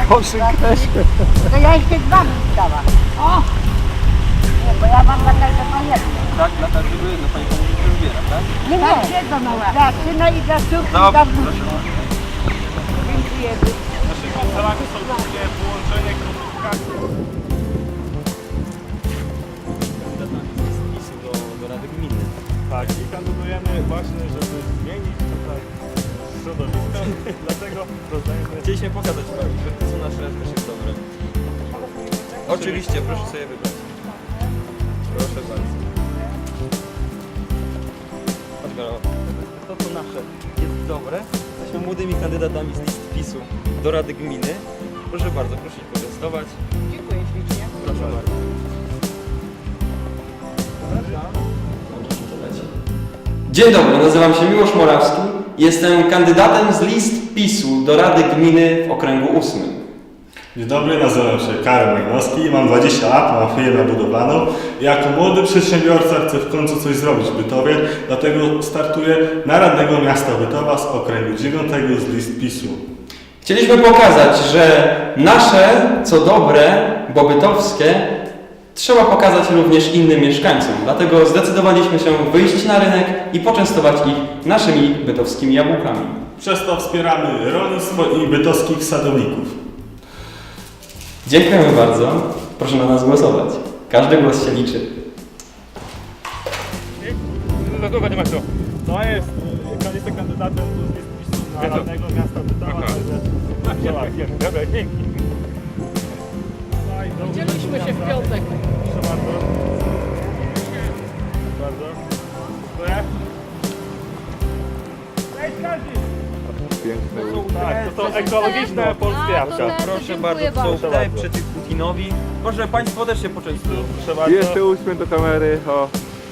Koszyk też. To ja jeszcze dwa bym dała. O! Nie, bo ja mam dla każdego jedno. Tak, dla każdego jedno. Pani pomówi, że wybiera, tak? Nie, nie. Dla syna i dla córki i dla wnuczka. Dziękuję. Naszymi celami są takie połączenie komunikacji. do Rady Gminy. Tak, i kandydujemy właśnie, żeby zmienić tutaj środowisko. Dlatego rozdajemy... Chcieliśmy pokazać Pani, że to są nasze też jest dobre. Oczywiście, proszę sobie wybrać. Proszę bardzo. Chodź, Garo. To co nasze jest dobre. Jesteśmy młodymi kandydatami z list PiS-u do Rady Gminy. Proszę bardzo, proszę się poczęstować. Dziękuję ślicznie. Proszę bardzo. Dzień dobry, nazywam się Miłosz Morawski. Jestem kandydatem z list PiS-u do Rady Gminy w okręgu 8. Dzień dobry, nazywam się Karol Majnowski, mam 20 lat, mam firmę budowlaną. Jako młody przedsiębiorca chcę w końcu coś zrobić w Bytowie, dlatego startuję na radnego miasta Bytowa z okręgu 9 z list PiS-u. Chcieliśmy pokazać, że nasze, co dobre, bo bytowskie, trzeba pokazać również innym mieszkańcom. Dlatego zdecydowaliśmy się wyjść na rynek i poczęstować ich naszymi bytowskimi jabłkami. Przez to wspieramy rolnictwo i bytowskich sadowników. Dziękujemy bardzo. Proszę na nas głosować. Każdy głos się liczy. Panie Maciu, to jest, jestem kandydatem z list PiS-u na radnego miasta Bytowa, także dobra, dzięki. Widzieliśmy się w piątek. Proszę bardzo. Bardzo. Dziękuję. Cześć Kazi! Tak, to są ekologiczne polskie jabłka. Proszę bardzo, to są te przeciw Putinowi. Proszę Państwo też się poczęstują. Proszę bardzo. Jeszcze uśmiech do kamery, o.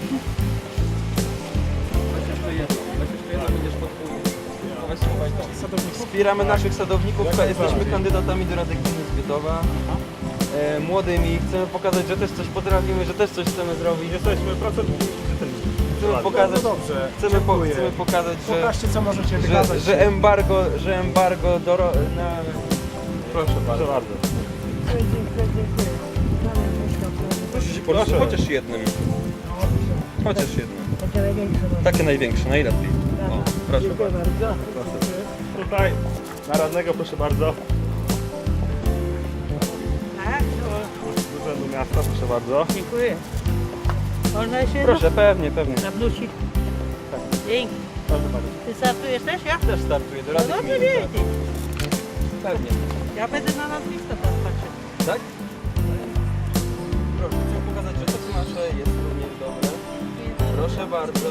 Wspieramy naszych sadowników, jesteśmy kandydatami do Rady Gminy z Bytowa. Młodymi, chcemy pokazać, że też coś potrafimy, że też coś chcemy zrobić. Jesteśmy pracownikami. Chcemy pokazać, dobrze, chcemy pokazać, Pokażcie, co możecie że, wykazać. że embargo na... Proszę bardzo. Proszę bardzo. Proszę się poruszyć, chociaż jednym. Chociaż jednym. Takie największe, najlepiej. O, proszę bardzo. Tutaj na radnego, proszę bardzo. Z urzędu miasta, proszę bardzo. Dziękuję. Można się Proszę, pewnie, pewnie. nawrócić. Dzięki. Proszę bardzo. Ty startujesz też, ja? Też startuję do No Rady dobrze Gminy. wiedzieć. Pewnie. Ja będę na nazwisko teraz patrzeć. Tak? Proszę, chcę pokazać, że to co nasze jest również dobre. Proszę bardzo.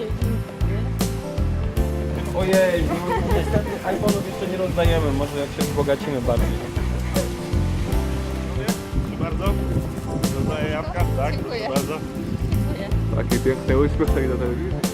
Ojej, no, niestety iPhone'ów jeszcze nie rozdajemy, może jak się wzbogacimy bardziej. Proszę bardzo. Rozdaję jabłka, tak? Proszę bardzo. Taki piękny uśmiech tutaj do telewizji.